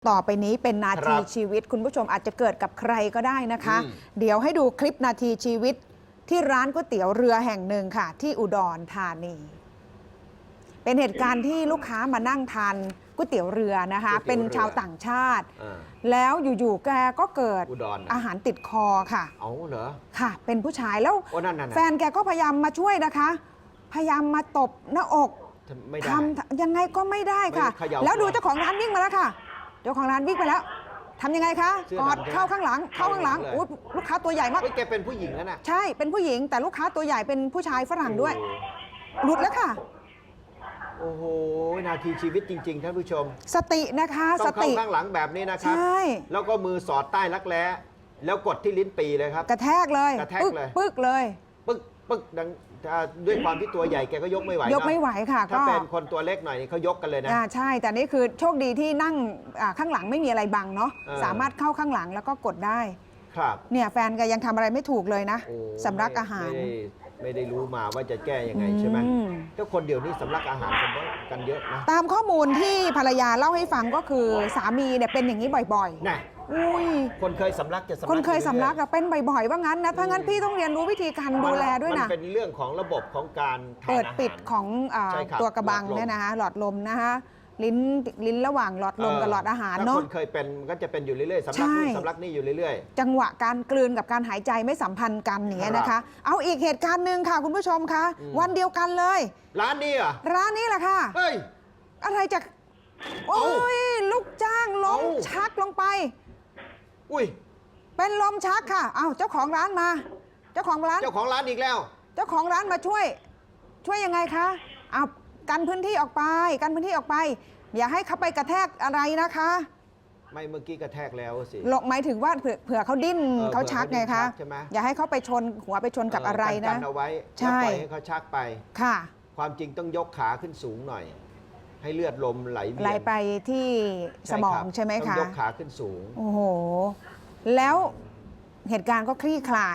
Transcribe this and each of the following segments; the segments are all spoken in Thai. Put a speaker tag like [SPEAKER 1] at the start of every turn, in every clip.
[SPEAKER 1] ต่อไปนี้เป็นนาทีชีวิตคุณผู้ชมอาจจะเกิดกับใครก็ได้นะคะเดี๋ยวให้ดูคลิปนาทีชีวิตที่ร้านก๋วยเตี๋ยวเรือแห่งหนึ่งค่ะที่อุดรธานีเป็นเหตุการณ์ที่ลูกค้ามานั่งทานก๋วยเตี๋ยวเรือนะคะเป็นชาวต่างชาติแล้วอยู่ๆแกก็เกิดอาหารติดคอค่ะ
[SPEAKER 2] เอาเหรอ
[SPEAKER 1] ค่ะเป็นผู้ชายแล้วแฟนแกก็พยายามมาช่วยนะคะพยายามมาตบหน้าอกทำยังไงก็ไม่ได้ค่ะแล้วดูเจ้าของร้านวิ่งมาแล้วค่ะเจ้าของร้านวิ่งไปแล้วทำยังไงคะกอดเข้าข้างหลังอุ๊ยลูกค้าตัวใหญ่มาก
[SPEAKER 2] แกเป็นผู้หญิงนะ
[SPEAKER 1] ใช่เป็นผู้หญิงแต่ลูกค้าตัวใหญ่เป็นผู้ชายฝรั่งด้วยหลุดแล้วค่ะ
[SPEAKER 2] โอ้โหนาทีชีวิตจริงๆท่านผู้ชม
[SPEAKER 1] สตินะคะ
[SPEAKER 2] สติข้างหลังแบบนี้นะครับ
[SPEAKER 1] ใช่
[SPEAKER 2] แล้วก็มือสอดใต้รักแร้แล้วกดที่ลิ้นปีเลยครับ
[SPEAKER 1] กระแทกเลยปึ๊กเลย
[SPEAKER 2] ปึ๊กดังด้วยความที่ตัวใหญ่แกก็ยกไม่ไหวย
[SPEAKER 1] กไม่ไหวค่ะ
[SPEAKER 2] ถ้าเป็นคนตัวเล็กหน่อยเขายกกันเลยนะ
[SPEAKER 1] ใช่แต่นี่คือโชคดีที่นั่งข้างหลังไม่มีอะไรบังเนาะสามารถเข้าข้างหลังแล้วก็กดได้
[SPEAKER 2] ครับ
[SPEAKER 1] เนี่ยแฟนก็ยังทำอะไรไม่ถูกเลยนะสำลักอาหาร
[SPEAKER 2] ไม่ได้รู้มาว่าจะแก้ยังไงใช่ไหมก็คนเดียวนี่สำลักอาหารกันเยอะนะ
[SPEAKER 1] ตามข้อมูลที่ภรรยาเล่าให้ฟังก็คือสามีเนี่ยเป็นอย่างนี้บ่อย
[SPEAKER 2] ๆนะคนเคยสำลักจะสำลัก
[SPEAKER 1] คนเคยสำลักเป็นบ่อยๆว่างั้นนะถ้างั้นพี่ต้องเรียนรู้วิธีการดูแลด้วยนะ
[SPEAKER 2] มันเป็นเรื่องของระบบของการ
[SPEAKER 1] เปิดปิดของตัวกระบังเนี่ยนะคะหลอดลมนะคะลิ้นระหว่างหลอดลมกับหลอดอาหารเนาะ
[SPEAKER 2] ถ้าคนเคยเป็นมันก็จะเป็นอยู่เรื่อยๆสำลักนี่สำลักนี่อยู่เรื่อย
[SPEAKER 1] ๆจังหวะการกลืนกับการหายใจไม่สัมพันธ์กันอย่างเงี้ยนะคะเอาอีกเหตุการณ์หนึ่งค่ะคุณผู้ชมคะวันเดียวกันเลย
[SPEAKER 2] ร้านนี้อ่ะ
[SPEAKER 1] ร้านนี้แหละค่ะ
[SPEAKER 2] เฮ้ย
[SPEAKER 1] อะไรจะโอ้ยลูกจ้างล้มชักลงไป
[SPEAKER 2] อุ้ย
[SPEAKER 1] เป็นลมชักค่ะเอาเจ้าของร้านมาเจ้าของร้าน
[SPEAKER 2] อีกแล้ว
[SPEAKER 1] เจ้าของร้านมาช่วยยังไงคะเอากันพื้นที่ออกไปอย่าให้เขาไปกระแทกอะไรนะคะ
[SPEAKER 2] ไม่เมื่อกี้กระแทกแล้วสิ
[SPEAKER 1] หมายถึงว่าเผื่อเขาดิ้นเขาชักไงคะอย่าให้เขาไปชนหัวไปชนกับอะไรนะ
[SPEAKER 2] กันเอาไว้ใช่ปล่อยให้เขาชักไป
[SPEAKER 1] ค่ะ
[SPEAKER 2] ความจริงต้องยกขาขึ้นสูงหน่อยให้เลือดลมไหล
[SPEAKER 1] ไปที่สมองใช่ไหมคะ
[SPEAKER 2] ต้องยกขาขึ้นสูง
[SPEAKER 1] โอ้โหแล้วเหตุการณ์ก็คลี่คลาย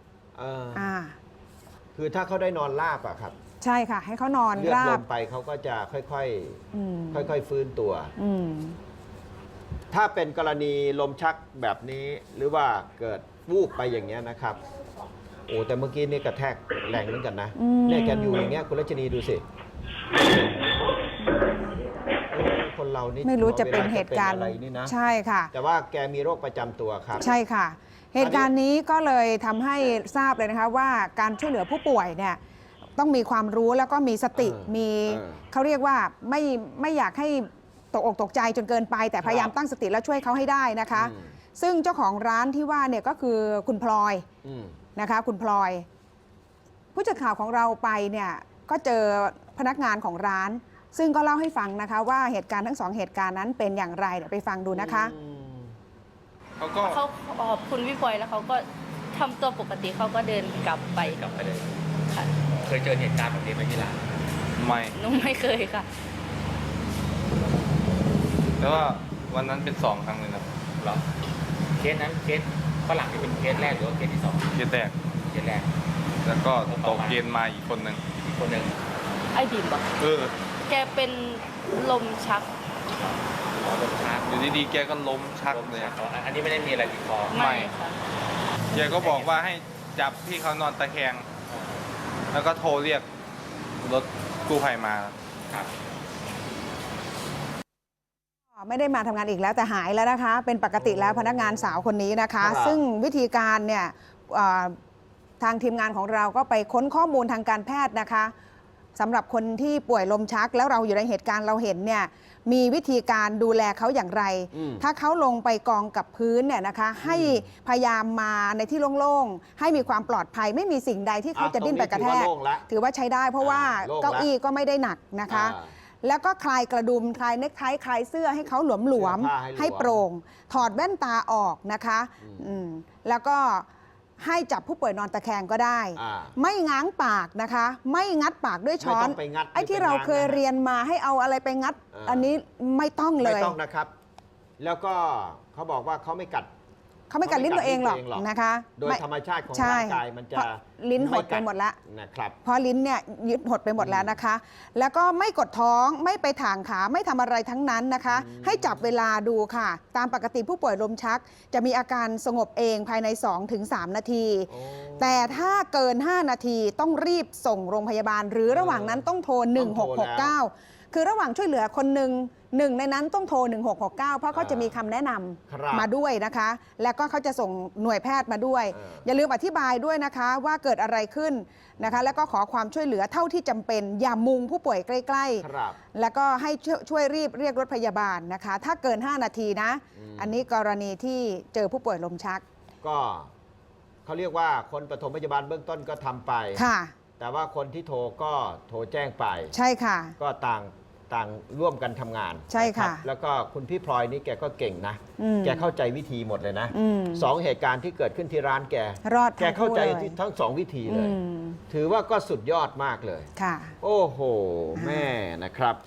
[SPEAKER 2] คือถ้าเขาได้นอนราบอะครับ
[SPEAKER 1] ใช่ค่ะให้เขานอนราบ
[SPEAKER 2] เลือดลมไปเขาก็จะค่อยๆฟื้นตัวถ้าเป็นกรณีลมชักแบบนี้หรือว่าเกิดวูบไปอย่างเงี้ยนะครับโอ้แต่เมื่อกี้นี่กระแทกแรงเหมือนกันนะเนี่ยแกอยู่อย่างเงี้ยคุณรัชนีดูสิคนเรานี่
[SPEAKER 1] ไม่รู้จะเป็นเหตุการณ์
[SPEAKER 2] อะไรนี่นะ
[SPEAKER 1] ใช่ค่ะ
[SPEAKER 2] แต่ว่าแกมีโรคประจำตัวครับ
[SPEAKER 1] ใช่ค่ะเหตุการณ์นี้ก็เลยทำให้ทราบเลยนะคะว่าการช่วยเหลือผู้ป่วยเนี่ยต้องมีความรู้แล้วก็มีสติมีเขาเรียกว่าไม่อยากให้ตกอกตกใจจนเกินไปแต่พยายามตั้งสติและช่วยเขาให้ได้นะคะซึ่งเจ้าของร้านที่ว่าเนี่ยก็คือคุณพลอยนะคะคุณพลอยผู้จัดข่าวของเราไปเนี่ยก็เจอพนักงานของร้านซึ่งก็เล่าให้ฟังนะคะว่าเหตุการณ์ทั้ง2เหตุการณ์นั้นเป็นอย่างไรเดี๋ยวไปฟังดูนะคะ
[SPEAKER 3] เขาขอบคุณพี่พลอยแล้วเขาก็ทำตัวปกติเขาก็เดินกลับไป
[SPEAKER 4] เลย
[SPEAKER 3] ค่ะ
[SPEAKER 4] เคยเจอเหตุการณ์แบบนี้ไหมที่ร้าน
[SPEAKER 3] หนูไม่เคยค่ะ
[SPEAKER 5] แล้วว่าวันนั้นเป็น2 ครั้งเลยนะ
[SPEAKER 4] เหรอเคสนั้นเคสฝรั่งที่เป็นเคสแรกหรือว่าเคสที่2
[SPEAKER 5] เคสแรกแล้วก็ตกเย็นมาอีกคนหนึ่ง
[SPEAKER 3] ไอ้ดิมบอกแกเป็นลมชัก
[SPEAKER 5] อยู่ดีๆแกก็ล้มชักเลย
[SPEAKER 4] อันนี้ไม่ได้มีอะไรติดคอ
[SPEAKER 3] ไม่ค่ะ
[SPEAKER 5] แกก็บอกว่าให้จับที่เขานอนตะแคงแล้วก็โทรเรียกรถกู้ภัยมา
[SPEAKER 4] ครับ
[SPEAKER 1] ไม่ได้มาทำงานอีกแล้วแต่หายแล้วนะคะเป็นปกติแล้วพนักงานสาวคนนี้นะคะซึ่งวิธีการเนี่ยทางทีมงานของเราก็ไปค้นข้อมูลทางการแพทย์นะคะสำหรับคนที่ป่วยลมชักแล้วเราอยู่ในเหตุการณ์เราเห็นเนี่ยมีวิธีการดูแลเขาอย่างไรถ้าเขาลงไปกองกับพื้นเนี่ยนะคะให้พยายามมาในที่โล่งๆให้มีความปลอดภัยไม่มีสิ่งใดที่เขาจะดิ้นไปกระแทกถือว่าใช้ได้เพราะว่าเก้าอี้ก็ไม่ได้หนักนะคะแล้วก็คลายกระดุมคลายเนคไทคลายเสื้อให้เขาหลวมๆให้โปร่งถอดแว่นตาออกนะคะแล้วก็ให้จับผู้ป่วยนอนตะแคงก็ได้ไม่ง้างปากนะคะไม่งัดปากด้วยช้อนไอ้ที่เราเคยเรียนมาให้เอาอะไรไปงัดอันนี้ไม่ต้องเลย
[SPEAKER 2] ไม่ต้องนะครับแล้วก็เขาบอกว่าเขาไม่กัด
[SPEAKER 1] เขาไม่กัดลิ้นตัวเองหรอกนะคะ
[SPEAKER 2] โดย
[SPEAKER 1] ไม่
[SPEAKER 2] ธรรมชาติของ
[SPEAKER 1] ใช่
[SPEAKER 2] ร่างกายมันจะ
[SPEAKER 1] เพราลิ้นหดไปหมดแล้ว
[SPEAKER 2] นะครับ
[SPEAKER 1] เพราะลิ้นเนี่ยยึดหดไปหมดแล้วนะคะ แล้วก็ไม่กดท้องไม่ไปถ่างขาไม่ทำอะไรทั้งนั้นนะคะ ให้จับเวลาดูค่ะ ตามปกติผู้ป่วยลมชัก จะมีอาการสงบเองภายใน 2-3 นาที
[SPEAKER 2] โอ้
[SPEAKER 1] แต่ถ้าเกิน 5 นาทีต้องรีบส่งโรงพยาบาล หรือระหว่างนั้นต้องโทร 1669 คือระหว่างช่วยเหลือคนหนึ่งในนั้นต้องโทร 1669 เพราะเขาจะมีคำแนะน
[SPEAKER 2] ครับ
[SPEAKER 1] ำมาด้วยนะคะ แล้วก็เขาจะส่งหน่วยแพทย์มาด้วย อย่าลืมอธิบายด้วยนะคะว่าเกิดอะไรขึ้นนะคะ แล้วก็ขอความช่วยเหลือเท่าที่จำเป็น อย่ามุงผู้ป่วยใกล้
[SPEAKER 2] ครับ
[SPEAKER 1] ๆ แล้วก็ให้ช่วยรีบเรียกรถพยาบาลนะคะ ถ้าเกิน 5 นาทีนะ อันนี้กรณีที่เจอผู้ป่วยลมชัก
[SPEAKER 2] ก็เขาเรียกว่าคนปฐมพยาบาลเบื้องต้นก็ทำไป
[SPEAKER 1] ค่ะ
[SPEAKER 2] แต่ว่าคนที่โทรก็โทรแจ้งไป
[SPEAKER 1] ใช่ค่ะ
[SPEAKER 2] ก็ต่างร่วมกันทำงาน
[SPEAKER 1] ใช่ค่ะ
[SPEAKER 2] นรับแล้วก็คุณพี่พลอยนี่แกก็เก่งนะ
[SPEAKER 1] อืม
[SPEAKER 2] แกเข้าใจวิธีหมดเลยนะ
[SPEAKER 1] อืม
[SPEAKER 2] สองเหตุการณ์ที่เกิดขึ้นที่ร้านแก
[SPEAKER 1] รอด
[SPEAKER 2] แกเข้าใจ
[SPEAKER 1] ทั้งคู่เลย
[SPEAKER 2] ทั้งสองวิธีเลย
[SPEAKER 1] อืม
[SPEAKER 2] ถือว่าก็สุดยอดมากเลย
[SPEAKER 1] ค่ะ
[SPEAKER 2] โอ้โห แม่นะครับ